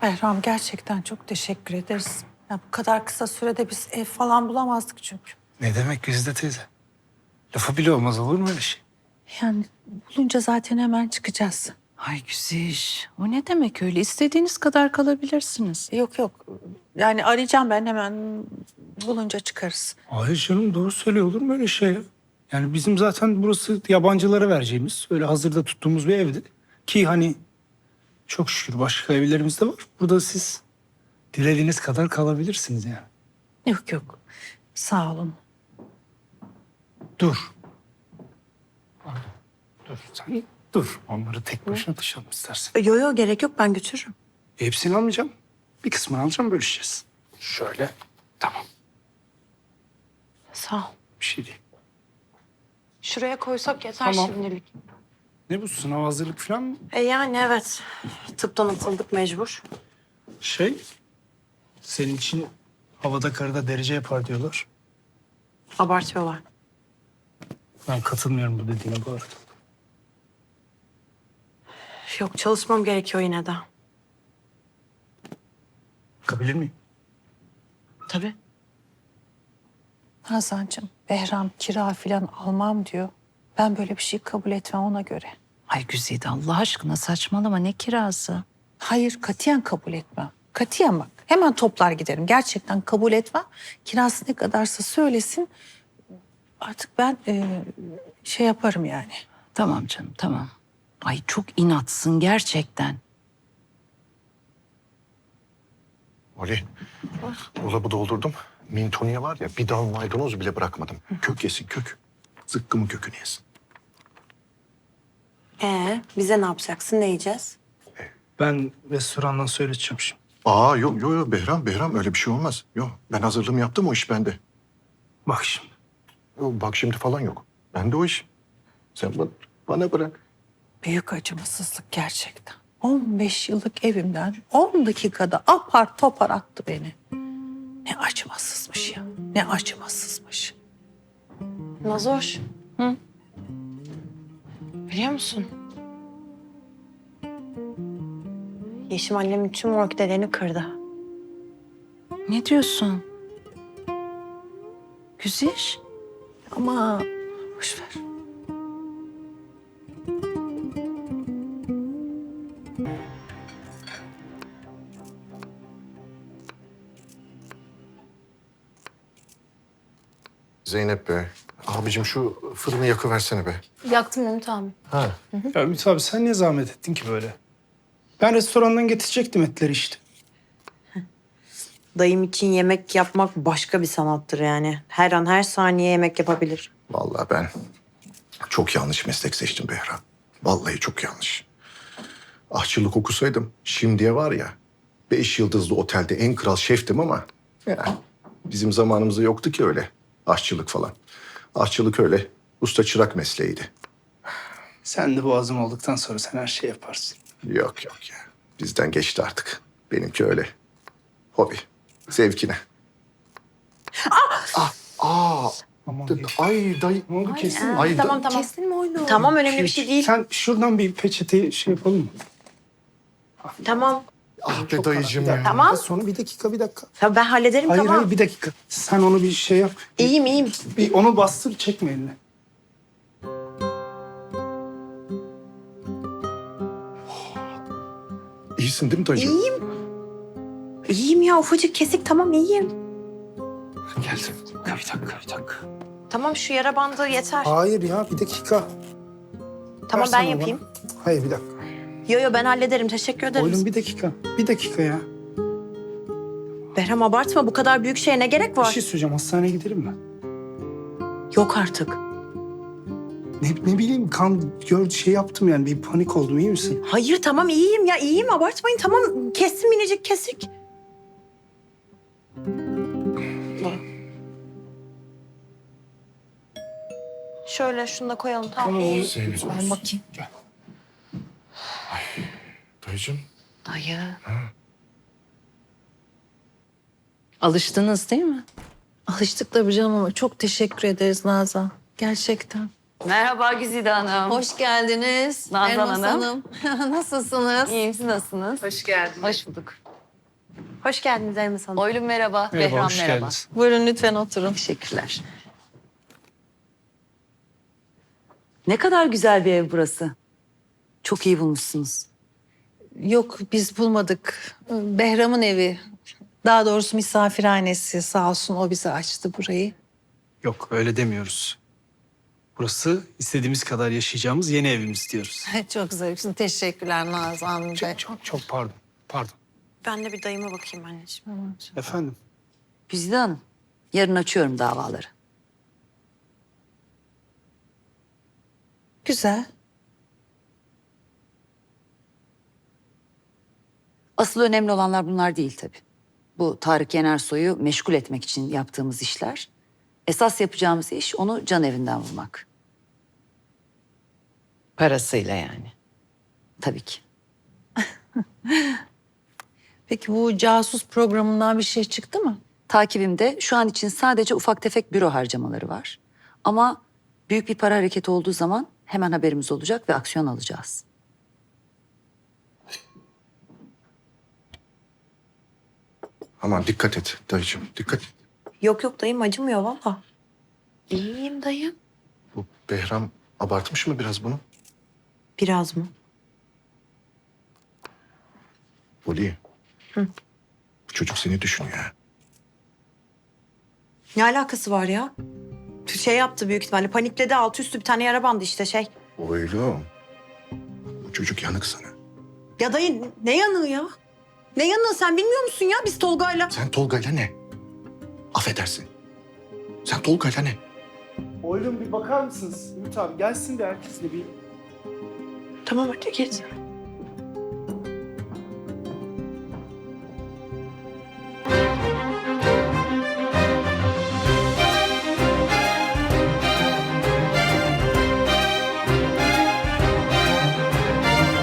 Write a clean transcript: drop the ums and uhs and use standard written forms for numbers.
Behram gerçekten çok teşekkür ederiz. Ya bu kadar kısa sürede biz ev falan bulamazdık çünkü. Ne demek Güzide teyze? Lafı bile olmaz, olur mu öyle şey? Yani bulunca zaten hemen çıkacağız. Ay güzel. O ne demek öyle? İstediğiniz kadar kalabilirsiniz. Yok yok. Yani arayacağım ben hemen bulunca çıkarız. Hayır canım, doğru söylüyor, olur mu öyle şey ya? Yani bizim zaten burası yabancılara vereceğimiz, öyle hazırda tuttuğumuz bir evdi. Ki hani çok şükür başka evlerimiz de var. Burada siz dilediğiniz kadar kalabilirsiniz yani. Yok yok. Sağ olun. Dur. Pardon. Dur sen dur. Onları tek başına taşıyalım istersen. Yok yok gerek yok ben götürürüm. Hepsini almayacağım. Bir kısmını alacağım, bölüşeceğiz. Şöyle. Tamam. Sağ ol. Bir şey değil. Şuraya koysak yeter Tamam. şimdilik. Ne bu, sınav hazırlık falan mı? Yani evet. Tıptan atıldık mecbur. Senin için havada karada derece yapar diyorlar. Abartıyorlar. Ben katılmıyorum bu dediğine bu arada. Yok çalışmam gerekiyor yine de. Bakabilir miyim? Tabii. Hazancığım, Behram kira falan almam diyor. Ben böyle bir şey kabul etmem ona göre. Ay Güzide Allah aşkına saçmalama ne kirası? Hayır, katiyen kabul etmem. Katiyen bak. Hemen toplar giderim. Gerçekten kabul etmem. Kirası ne kadarsa söylesin. Artık ben şey yaparım yani. Tamam canım tamam. Ay çok inatsın gerçekten. Ali, dolabı doldurdum. Mintoniye var ya, bir dal maydanoz bile bırakmadım. Kök yesin, kök. Zıkkımın kökünü yesin. Bize ne yapacaksın, ne yiyeceğiz? Ben restorandan söyleteceğim şimdi. Aa yok Behram öyle bir şey olmaz. Yok, ben hazırlığımı yaptım, o iş bende. Bak şimdi. Yok, bak şimdi falan yok. Bende o iş. Sen bana bırak. Büyük acımasızlık gerçekten. 15 yıllık evimden 10 dakikada apar topar attı beni. Ne acımasızmış ya. Ne acımasızmış. Nazoş. Biliyor musun? Yeşim annemin tüm orkidelerini kırdı. Ne diyorsun? Güziş. Ama boş ver. Zeynep be. Abicim şu fırını yakıversene be. Yaktım Ümit abi. Ha. Ya Ümit abi, sen niye zahmet ettin ki böyle? Ben restorandan getirecektim etleri işte. Dayım için yemek yapmak başka bir sanattır yani. Her an her saniye yemek yapabilir. Vallahi ben çok yanlış meslek seçtim Behram. Vallahi çok yanlış. Aşçılık okusaydım şimdiye var ya 5 yıldızlı otelde en kral şeftim ama ya, bizim zamanımızda yoktu ki öyle aşçılık falan. Aşçılık öyle usta çırak mesleğiydi. Sen de boğazım olduktan sonra sen her şeyi yaparsın. Yok ya, bizden geçti artık. Benimki öyle hobi, zevkine. Aman Ay dayı. ne oldu, kesin mi? Ay Tamam. Kestin mi oyunu? Tamam önemli bir şey değil. Sen şuradan bir peçete şey yapalım mı? Tamam. Ah be Çok dayıcım karar. ya. Tamam. Sonra bir dakika. Tabii ben hallederim Hayır tamam. hayır, bir dakika. Sen onu bir şey yap. İyiyim. Bir onu bastır, çekme eline. İyisin değil mi dayıcım? İyiyim ya ufacık kesik tamam iyiyim. Geldim. Bir dakika. Tamam şu yara bandı yeter. Hayır ya, bir dakika. Tamam Versene ben yapayım. bana. Hayır, bir dakika. Yo ben hallederim teşekkür ederim. Oğlum bir dakika. Bir dakika ya. Behram abartma bu kadar büyük şeye ne gerek Bir var? şey söyleyeceğim. Hastaneye gidelim mi? Yok artık. Ne bileyim, şey yaptım yani. Bir panik oldum. İyi misin? Hayır tamam iyiyim ya iyiyim abartmayın tamam kestim minicik kesik. Şöyle şunu da koyalım tamam. Zeynep. Ben bakayım. Dayıcım. Dayı. Alıştınız değil mi? Alıştık tabii canım ama çok teşekkür ederiz Nazan. Gerçekten. Merhaba Güzide Hanım. Hoş geldiniz. Nazan Elmas Hanım. Nasılsınız? İyiyim, siz nasılsınız? Hoş geldiniz. Hoş bulduk. Hoş geldiniz Elmas Hanım. Oylum merhaba. Merhaba, Behram hoş merhaba. geldiniz. Buyurun lütfen oturun. Teşekkürler. Ne kadar güzel bir ev burası. Çok iyi bulmuşsunuz. Yok biz bulmadık. Behram'ın evi. Daha doğrusu misafirhanesi sağ olsun o bize açtı burayı. Yok öyle demiyoruz. Burası istediğimiz kadar yaşayacağımız yeni evimiz diyoruz. Çok zarifsin. Teşekkürler Nazan Bey. Çok pardon. Pardon. Ben de bir dayıma bakayım anneciğim. Efendim. Güzide Hanım, yarın açıyorum davaları. Güzel. Asıl önemli olanlar bunlar değil tabii. Bu Tarık Yenersoy'u meşgul etmek için yaptığımız işler. Esas yapacağımız iş onu can evinden vurmak. Parasıyla yani. Tabii ki. Peki bu casus programından bir şey çıktı mı? Takibimde şu an için sadece ufak tefek büro harcamaları var. Ama büyük bir para hareketi olduğu zaman hemen haberimiz olacak ve aksiyon alacağız. Aman dikkat et dayıcığım, dikkat et. Yok yok dayım acımıyor valla. İyiyim dayım. Bu Behram abartmış mı biraz bunu? Biraz mı? Oli. Bu çocuk seni düşünüyor ha. Ne alakası var ya? Şey yaptı büyük ihtimalle panikledi altı üstü bir tane yara bandı işte şey. Oğlum. Bu çocuk yanık sana. Ya dayı ne yanığı ya? Ne yanığı sen bilmiyor musun ya biz Tolga'yla? Sen Tolga'yla ne? Affedersin. Sen Tolga'yla ne? Oylum bir bakar mısınız? Ümit abi gelsin de herkesle bir... Tamam hadi git.